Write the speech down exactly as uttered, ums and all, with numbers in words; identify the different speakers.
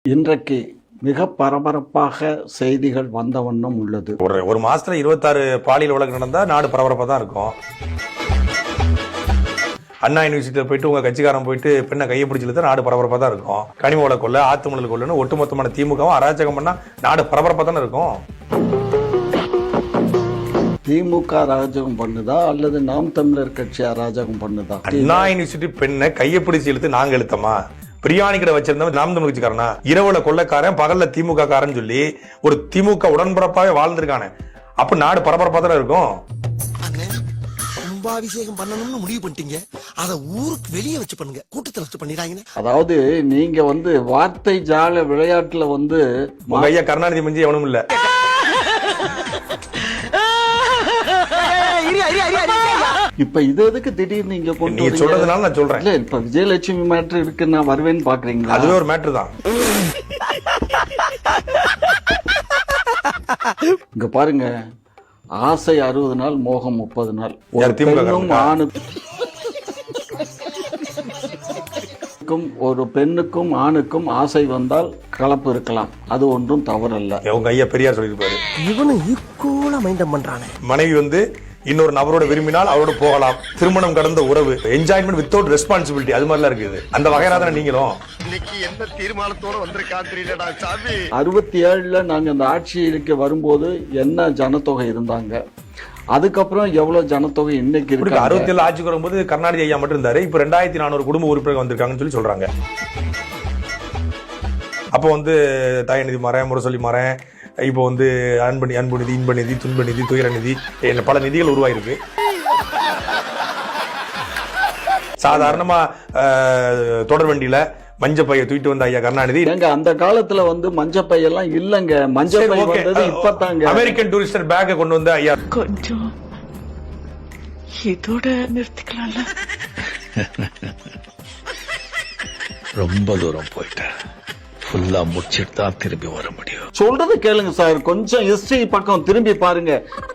Speaker 1: இன்றைக்கு மிக பரபரப்பாக செய்திகள் வந்த வண்ணம் உள்ளது.
Speaker 2: ஒரு ஒரு மாசத்துல இருபத்தாறு பாலியல் வழக்கு நடந்தா நாடு பரபரப்பா தான் இருக்கும். அண்ணா யூனிவர்சிட்டியில போயிட்டு உங்க கட்சிக்காரன் போயிட்டு பெண்ணை கையை பிடிச்சிட்டு நாடு பரபரப்பா தான் இருக்கும். கனிம வள கொள்ள ஆத்துமணல் கொள்ளுன்னு ஒட்டுமொத்தமான திமுகவும் அராஜகம் பண்ணா நாடு பரபரப்பா தானே இருக்கும்.
Speaker 1: திமுக அராஜகம் பண்ணுதா அல்லது நாம் தமிழர் கட்சி அராஜகம் பண்ணுதா?
Speaker 2: அண்ணா யூனிவர்சிட்டி பெண்ணை கையை பிடிச்சி இழுத்து நாங்க இழுத்தமா? பிரியாணி கடை வச்சிருந்தவன் நாம் தமிழ் கட்சிக்காரனா? இரவுல கொள்ளக்காரன் பகல்ல திமுக காரன் சொல்லி ஒரு திமுக உடன்பரப்பாவே வாழ்ந்திருக்கானே. அப்ப நாடு பரபரப்பா தானே இருக்கும்.
Speaker 3: கும்பாபிஷேகம் பண்ணணும்னு முடிவு பண்ணிட்டீங்க, அத ஊருக்கு வெளியே வச்சு பண்ணுங்க, கூட்டத்துல வச்சு பண்ணிடாங்க.
Speaker 1: அதாவது நீங்க வந்து வார்த்தை ஜால விளையாட்டுல வந்து
Speaker 2: உங்க ஐயா கருணாநிதி மிஞ்சி எவனும் இல்ல.
Speaker 1: இப்ப இது எதுக்கு திடீர்னு நீங்க கொண்டு
Speaker 2: நீங்க சொல்றதுனால நான் சொல்றேன்.
Speaker 1: இல்ல இப்ப விஜயலட்சுமி மேட்ரு இருக்கு, நான் வருவேன்னு பாக்குறீங்களா?
Speaker 2: அதுவே ஒரு மேட்ரு தான்.
Speaker 1: இங்க பாருங்க, ஆசை அறுபது நாள் மோகம் முப்பது நாள். ஆணுக்கும் ஒரு பெண்ணுக்கும் ஆணுக்கும் ஆசை வந்தால் கலப்பு இருக்கலாம், அது ஒன்றும் தவறல்ல.
Speaker 2: உங்க ஐயா பெரியார் சொல்லிருப்பாரு.
Speaker 3: இவனும் ஈக்குவலா மைண்டம் பண்றானே.
Speaker 2: மனைவி வந்து இன்னொரு நபரோட விரும்பினால் அவரோட போகலாம். திருமணம் கடந்த உறவு, என்ஜாய்மெண்ட் வித்தவுட் ரெஸ்பான்சிபிலிட்டி, அது மாதிரிலாம் இருக்குது. அந்த வகையா தானே நீங்களும்
Speaker 3: இன்னைக்கு என்ன தீர்மானத்தோட வந்திருக்கான் தெரியலடா சாமி.
Speaker 1: அறுபத்தி ஏழுல நாங்க அந்த ஆட்சிக்கு வரும்போது என்ன ஜனத்தொகை இருந்தாங்க, அதுக்கப்புறம் எவ்வளவு ஜனத்தொகை இன்னைக்கு இருக்கு.
Speaker 2: அறுபத்தி ஏழு ஆட்சிக்கு வரும்போது கருணாநிதி ஐயா மட்டும் இருந்தாரு. இப்ப ரெண்டாயிரத்தி நானூறு குடும்ப உறுப்பினர்கள் வந்திருக்காங்கன்னு சொல்லி சொல்றாங்க. அப்போ வந்து தயநிதி மறேன், முரசொலி மறேன், இப்போ வந்து அன்பு அன்பு நிதி, இன்ப நிதி, துன்ப நிதி, துயர நிதி, பல நிதிகள் உருவாயிருக்கு. சாதாரணமா தொடர் வண்டியில மஞ்சப்பைய தூக்கிட்டு வந்த ஐயா கருணாநிதி.
Speaker 1: எங்க அந்த காலத்துல வந்து மஞ்சப்பை எல்லாம் இல்லங்க, மஞ்சப்பை வந்தது இப்பதாங்க.
Speaker 2: அமெரிக்கன் டூரிஸ்டர் பேக்க கொண்டு வந்த ஐயா.
Speaker 4: கொஞ்சம் இதோட நிறுத்திக்கலாம்ல.
Speaker 5: ரொம்ப தூரம் போயிட்டேன், ஃபுல்லா முடிச்சிட்டு தான் திரும்பி வர முடியும்.
Speaker 1: சொல்றது கேளுங்க சார், கொஞ்சம் ஹிஸ்டரி பக்கம் திரும்பி பாருங்க.